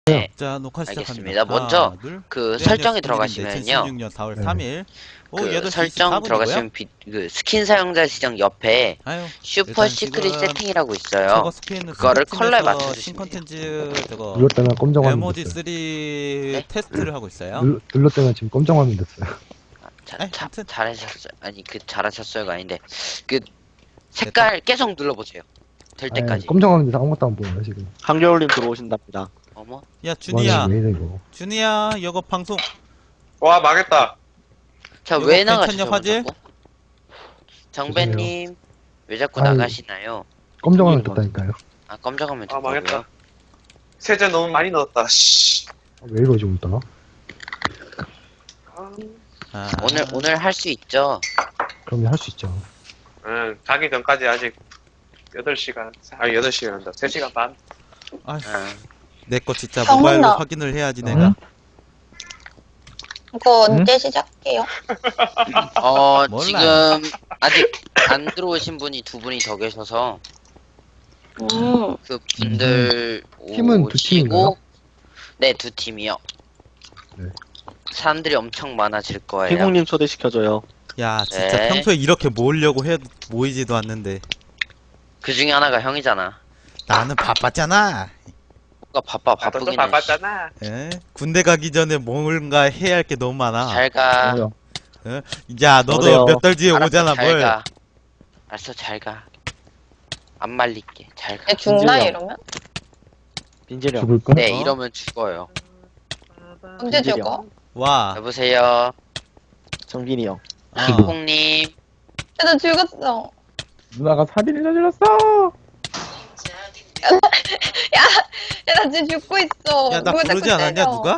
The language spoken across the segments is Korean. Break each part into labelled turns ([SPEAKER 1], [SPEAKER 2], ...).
[SPEAKER 1] 네,
[SPEAKER 2] 자, 녹화 시작합니다.
[SPEAKER 1] 알겠습니다. 먼저
[SPEAKER 2] 둘.
[SPEAKER 1] 그
[SPEAKER 2] 네,
[SPEAKER 1] 설정에
[SPEAKER 2] 안녕하십니까.
[SPEAKER 1] 들어가시면요.
[SPEAKER 2] 2016년 4월
[SPEAKER 3] 네.
[SPEAKER 2] 3일 오후
[SPEAKER 1] 그
[SPEAKER 2] 8시
[SPEAKER 1] 설정
[SPEAKER 2] 24분이고요.
[SPEAKER 1] 들어가시면 그 스킨 사용자 지정 옆에
[SPEAKER 2] 아유,
[SPEAKER 1] 슈퍼
[SPEAKER 2] 일단
[SPEAKER 1] 시크릿
[SPEAKER 2] 지금
[SPEAKER 1] 세팅이라고 있어요.
[SPEAKER 2] 저거 스킨
[SPEAKER 1] 그거를 컬러에
[SPEAKER 2] 스팀에서
[SPEAKER 1] 맞춰주시면
[SPEAKER 2] 신 컨텐츠 저거
[SPEAKER 3] 눌렀 때면 검정 화면
[SPEAKER 2] 에모지 3
[SPEAKER 3] 됐어요.
[SPEAKER 1] 네?
[SPEAKER 2] 테스트를 하고 있어요.
[SPEAKER 3] 눌렀 때면 지금 검정 화면 됐어요.
[SPEAKER 2] 아무튼.
[SPEAKER 1] 잘하셨어요. 아니 그 잘하셨어요가 아닌데 그 색깔 계속 눌러보세요. 될
[SPEAKER 3] 아니,
[SPEAKER 1] 때까지.
[SPEAKER 3] 검정 화면 돼서 아무것도 안 보여요 지금.
[SPEAKER 4] 한겨울님 들어오신답니다.
[SPEAKER 1] 어머.
[SPEAKER 2] 야, 준이야.
[SPEAKER 3] 왜 이래 이거.
[SPEAKER 2] 준이야, 이거 방송
[SPEAKER 5] 와 망했다.
[SPEAKER 1] 자,
[SPEAKER 2] 이거
[SPEAKER 1] 왜
[SPEAKER 2] 괜찮냐,
[SPEAKER 1] 나가시죠?
[SPEAKER 2] 화질?
[SPEAKER 1] 자꾸? 정배님 왜 자꾸
[SPEAKER 3] 아유.
[SPEAKER 1] 나가시나요?
[SPEAKER 3] 검정 화면
[SPEAKER 4] 이거
[SPEAKER 3] 됐다니까요.
[SPEAKER 1] 아 검정하면
[SPEAKER 5] 아
[SPEAKER 1] 됐다고요?
[SPEAKER 5] 망했다. 세제 너무 많이 넣었다. 씨.
[SPEAKER 3] 왜 이러지 오늘따라?
[SPEAKER 5] 아,
[SPEAKER 1] 오늘 할 수 있죠?
[SPEAKER 3] 그럼 할 수 있죠.
[SPEAKER 5] 응, 가기 전까지 아직 8시간, 8시간 한다. 3시간 반.
[SPEAKER 2] 아휴,
[SPEAKER 1] 아,
[SPEAKER 2] 내 거 진짜
[SPEAKER 6] 성훈아.
[SPEAKER 2] 모바일로 확인을 해야지 내가.
[SPEAKER 3] 응?
[SPEAKER 6] 이거 언제 시작해요?
[SPEAKER 2] 몰라요.
[SPEAKER 1] 지금 아직 안 들어오신 분이 두 분이 더 계셔서 그 분들
[SPEAKER 3] 팀은 두 팀인가요?
[SPEAKER 1] 네, 두 팀이요.
[SPEAKER 3] 네.
[SPEAKER 1] 사람들이 엄청 많아질 거예요.
[SPEAKER 4] 태국님 초대시켜줘요.
[SPEAKER 2] 야, 진짜
[SPEAKER 1] 네.
[SPEAKER 2] 평소에 이렇게 모으려고 해도 모이지도 않는데
[SPEAKER 1] 그 중에 하나가 형이잖아.
[SPEAKER 2] 나는 바빴잖아.
[SPEAKER 1] 뭔가
[SPEAKER 5] 나도 또
[SPEAKER 1] 바쁘긴 해.
[SPEAKER 5] 바빴잖아.
[SPEAKER 2] 예? 군대 가기 전에 뭔가 해야 할 게 너무 많아.
[SPEAKER 1] 잘 가.
[SPEAKER 4] 뭐요?
[SPEAKER 2] 야, 너도
[SPEAKER 4] 어때요?
[SPEAKER 2] 몇 달 뒤에
[SPEAKER 1] 알았어,
[SPEAKER 2] 오잖아,
[SPEAKER 1] 잘
[SPEAKER 2] 뭘.
[SPEAKER 1] 가. 알았어, 잘 가. 안 말릴게. 잘 가.
[SPEAKER 6] 얘 죽나
[SPEAKER 4] 진짜요?
[SPEAKER 6] 이러면?
[SPEAKER 4] 빈재령.
[SPEAKER 3] 죽을까?
[SPEAKER 1] 네,
[SPEAKER 2] 어?
[SPEAKER 1] 이러면 죽어요.
[SPEAKER 6] 언제
[SPEAKER 4] 빈재령.
[SPEAKER 6] 죽어?
[SPEAKER 2] 와.
[SPEAKER 1] 여보세요.
[SPEAKER 4] 정빈이 형.
[SPEAKER 2] 어.
[SPEAKER 1] 콩님.
[SPEAKER 6] 쟤도 죽었어.
[SPEAKER 3] 누나가 살인을 저질렀어.
[SPEAKER 6] 야, 나 지금 죽고 있어.
[SPEAKER 2] 야, 나
[SPEAKER 6] 누가
[SPEAKER 2] 부르지
[SPEAKER 6] 자꾸
[SPEAKER 2] 않았냐,
[SPEAKER 6] 때려.
[SPEAKER 2] 누가?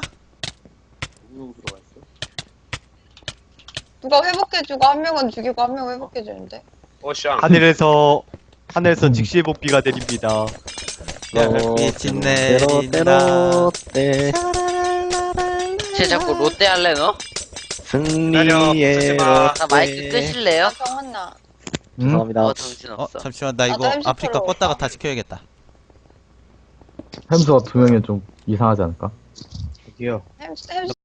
[SPEAKER 6] 누가 회복해주고 한 명은 죽이고 한 명은 회복해주는데.
[SPEAKER 5] 오샹.
[SPEAKER 7] 하늘에서 직시의 복비가 내립니다.
[SPEAKER 2] 미친
[SPEAKER 4] 때로
[SPEAKER 2] 내린다.
[SPEAKER 4] 때
[SPEAKER 1] 쟤 자꾸 롯데 할래 너?
[SPEAKER 4] 승리의
[SPEAKER 5] 쓰지 마.
[SPEAKER 1] 나
[SPEAKER 4] 롯데.
[SPEAKER 1] 마이크 끄실래요?
[SPEAKER 6] 아, 정한나.
[SPEAKER 4] 죄송합니다.
[SPEAKER 1] 정신없어.
[SPEAKER 2] 잠시만, 나
[SPEAKER 6] 나도
[SPEAKER 2] 이거
[SPEAKER 6] 햄스터로
[SPEAKER 2] 아프리카
[SPEAKER 6] 올까?
[SPEAKER 2] 껐다가 다시 켜야겠다.
[SPEAKER 3] 햄스가 두 명이 좀 이상하지 않을까?
[SPEAKER 4] 저기요.
[SPEAKER 6] 햄스